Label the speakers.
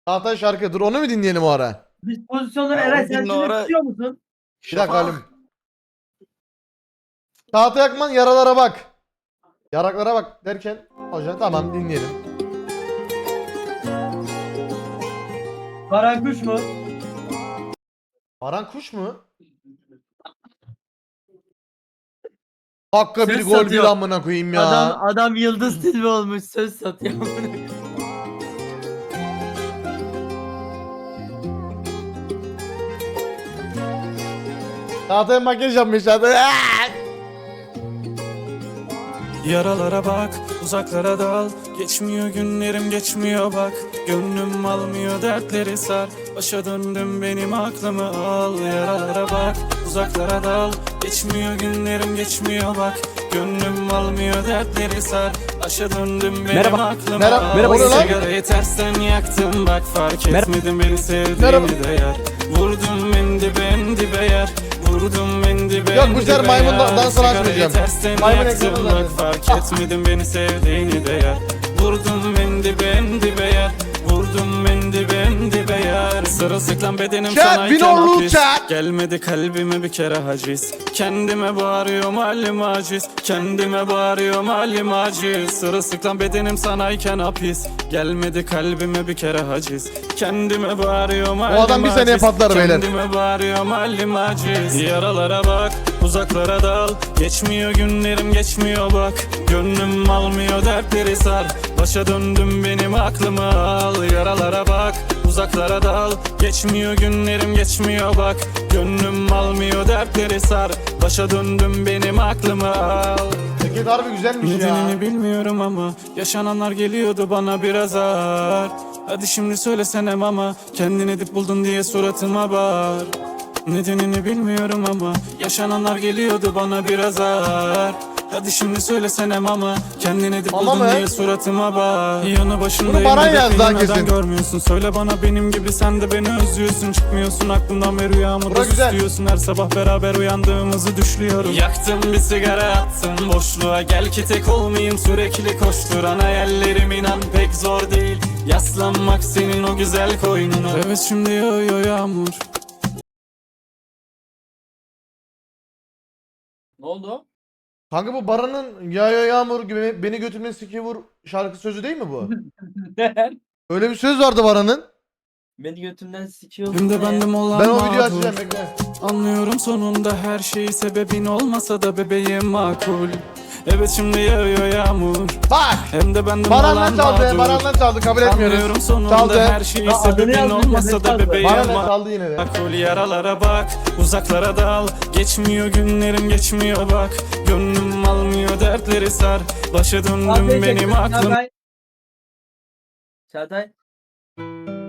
Speaker 1: Çağatay şarkı. Dur onu mu dinleyelim o ara?
Speaker 2: Dispozisyonları
Speaker 3: Ha,
Speaker 2: Eray
Speaker 3: o
Speaker 2: sen
Speaker 3: gün
Speaker 2: şimdi
Speaker 3: ara-
Speaker 2: tutuyor musun?
Speaker 1: Bir dakika halim. Çağatay Akman yaralara bak. Yaraklara bak derken hocam tamam dinleyelim.
Speaker 2: Karankuş mu?
Speaker 1: Baran Kuş mu? Hakka bir
Speaker 2: Ses
Speaker 1: gol bir
Speaker 2: satıyor.
Speaker 1: amına koyayım ya.
Speaker 2: Adam Yıldız Tilbe olmuş söz satıyor.
Speaker 1: Çağatay makyaj yapmış Çağatay.
Speaker 3: Yaralara bak, uzaklara dal. Geçmiyor günlerim geçmiyor bak. Gönlüm almıyor dertleri sar. Başa döndüm benim aklımı al. Yaralara bak, uzaklara dal. Geçmiyor günlerim geçmiyor bak. Gönlüm almıyor dertleri sar. Başa döndüm benim
Speaker 4: Merhaba.
Speaker 3: aklımı
Speaker 1: Merhaba.
Speaker 3: al.
Speaker 1: Merhaba.
Speaker 3: Sigarayı tersten yaktım bak fark etmedim beni
Speaker 1: Merhaba.
Speaker 3: sevdiğini de yer. Vurdum en dibe en dibe yer. Vurdum en dibe
Speaker 1: Yok,
Speaker 3: en
Speaker 1: bu sefer
Speaker 3: dibe
Speaker 1: maymun
Speaker 3: yer.
Speaker 1: dansını
Speaker 3: Sigarayı
Speaker 1: açmayacağım.
Speaker 3: tersten
Speaker 1: Maymun
Speaker 3: yaktım
Speaker 1: ekranı
Speaker 3: bak
Speaker 1: zaten.
Speaker 3: fark etmedim beni sevdiğini de yer. Vurdum en dibe en dibe yer. Vurdum en dibe en dibe yer. Sırılsıklam bedenim
Speaker 1: Chat,
Speaker 3: sanayken
Speaker 1: Binorlu
Speaker 3: hapis.
Speaker 1: chat.
Speaker 3: Gelmedi kalbime bir kere haciz. Kendime bağırıyorum halim aciz. Kendime bağırıyorum halim aciz. Sırılsıklam bedenim sanayken hapis. Gelmedi kalbime bir kere haciz. Kendime bağırıyorum halim aciz.
Speaker 1: adam bir seneye patlar beyler.
Speaker 3: Kendime bağırıyorum halim aciz. Yaralara bak, uzaklara dal. Geçmiyor günlerim geçmiyor bak. Gönlüm almıyor dertleri sar. Başa döndüm benim aklımı al. Yaralara bak, uzaklara dal. Geçmiyor günlerim geçmiyor bak. Gönlüm almıyor dertleri sar. Başa döndüm benim aklımı al.
Speaker 1: Ceket harbi güzelmiş ya.
Speaker 3: Nedenini bilmiyorum ama yaşananlar geliyordu bana biraz ağır. Hadi şimdi söylesene ama kendin edip buldun diye suratıma bağır. Nedenini bilmiyorum ama yaşananlar geliyordu bana biraz ağır. Hadi şimdi söylesene ama kendin edip
Speaker 1: Ama
Speaker 3: buldun
Speaker 1: mı?
Speaker 3: diye suratıma bağır. Yanı
Speaker 1: Bunu
Speaker 3: başındayım
Speaker 1: Baran
Speaker 3: hedefini
Speaker 1: yazdı ha
Speaker 3: neden
Speaker 1: kesin.
Speaker 3: görmüyorsun? Söyle bana benim gibi sen de beni özlüyorsun. Çıkmıyorsun aklımdan ve rüyamı
Speaker 1: Bura
Speaker 3: da
Speaker 1: güzel.
Speaker 3: süslüyorsun. Her sabah beraber uyandığımızı düşlüyorum. Yaktım bir sigara attım boşluğa. Gel ki tek olmayayım sürekli koşturan hayallerim inan pek zor değil. Yaslanmak senin o güzel koynuna. Evet şimdi yağıyor yağmur.
Speaker 2: Ne oldu?
Speaker 1: Kanka bu Baran'ın yağıyor yağmur gibi beni götürme siki vur şarkı sözü değil mi bu? Öyle bir söz vardı Baran'ın.
Speaker 2: Beni götümden sikiyor.
Speaker 3: Hem de bendim olan
Speaker 1: Ben o videoyu
Speaker 3: mağdur.
Speaker 1: açacağım bekle.
Speaker 3: Anlıyorum sonunda her şeyi sebebin olmasa da bebeğim makul. Evet şimdi yağıyor yağmur.
Speaker 1: Bak.
Speaker 3: Hem de bendim
Speaker 1: Baran'dan
Speaker 3: olan
Speaker 1: çaldı.
Speaker 3: mağdur.
Speaker 1: Baran'dan çaldı kabul
Speaker 3: Anlıyorum
Speaker 1: etmiyoruz.
Speaker 3: sonunda
Speaker 1: Çaldı.
Speaker 3: her şeyi
Speaker 2: Ya adını
Speaker 3: sebebin
Speaker 2: yazmış,
Speaker 3: olmasa
Speaker 2: ne
Speaker 3: da
Speaker 2: çaldı?
Speaker 3: bebeğim
Speaker 1: Baran'dan çaldı yine de.
Speaker 3: makul. Yaralara bak, uzaklara dal. Geçmiyor günlerim geçmiyor bak. Gönlüm almıyor dertleri sar. Başa döndüm benim aklım.
Speaker 2: Çağatay.